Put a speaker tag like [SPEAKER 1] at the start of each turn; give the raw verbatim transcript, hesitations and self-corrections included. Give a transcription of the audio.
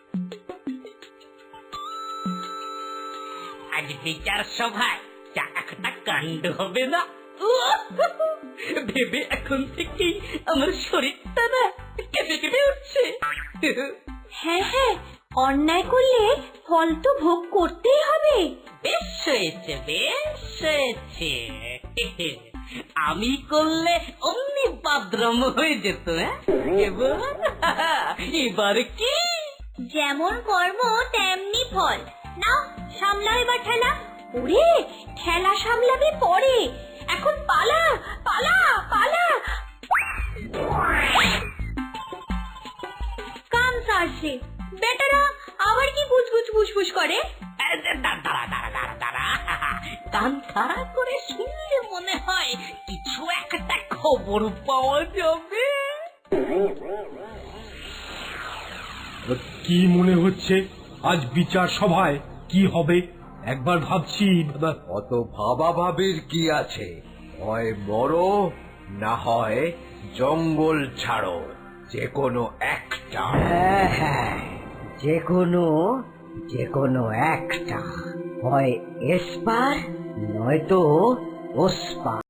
[SPEAKER 1] আজ বিচার সভায় যা একটা কাণ্ড হবে না, ভেবে এখন থেকেই আমার শরীরটা না কেঁপে কেঁপে উঠছে।
[SPEAKER 2] হ্যাঁ হ্যাঁ, অন্যায় করলে ফল তো ভোগ করতেই হবে।
[SPEAKER 1] বেশ হয়েছে, বেশ হয়েছে। আমি করলে অমনি বাদরম হয়ে যেত। এবার এবার কি
[SPEAKER 2] যেমন কর্ম তেমনি ফল। নাও সামলাও এবার ঠেলা। ওরে, ঠেলা সামলাবি পরে, এখন পালা পালা পালা। কাম সারছে বেটারা, আবার কি গুজগুজ ফুসফুস করে।
[SPEAKER 1] দাঁড়া দাঁড়া দাঁড়া দাঁড়া, কান খাড়া করে শুনলে মনে হয় কিছু একটা খবর পাওয়া যাবে।
[SPEAKER 3] কি মনে হচ্ছে আজ বিচার সভায় কি হবে? একবার ভাবছি।
[SPEAKER 4] অত ভাবা ভাবির কি আছে? হয় মরো, না হয় জঙ্গল ছাড়ো, যে কোনো একটা।
[SPEAKER 5] হ্যাঁ হ্যাঁ, যে কোনো যে কোনো একটা, হয় এসপার নয়তো ওসপার।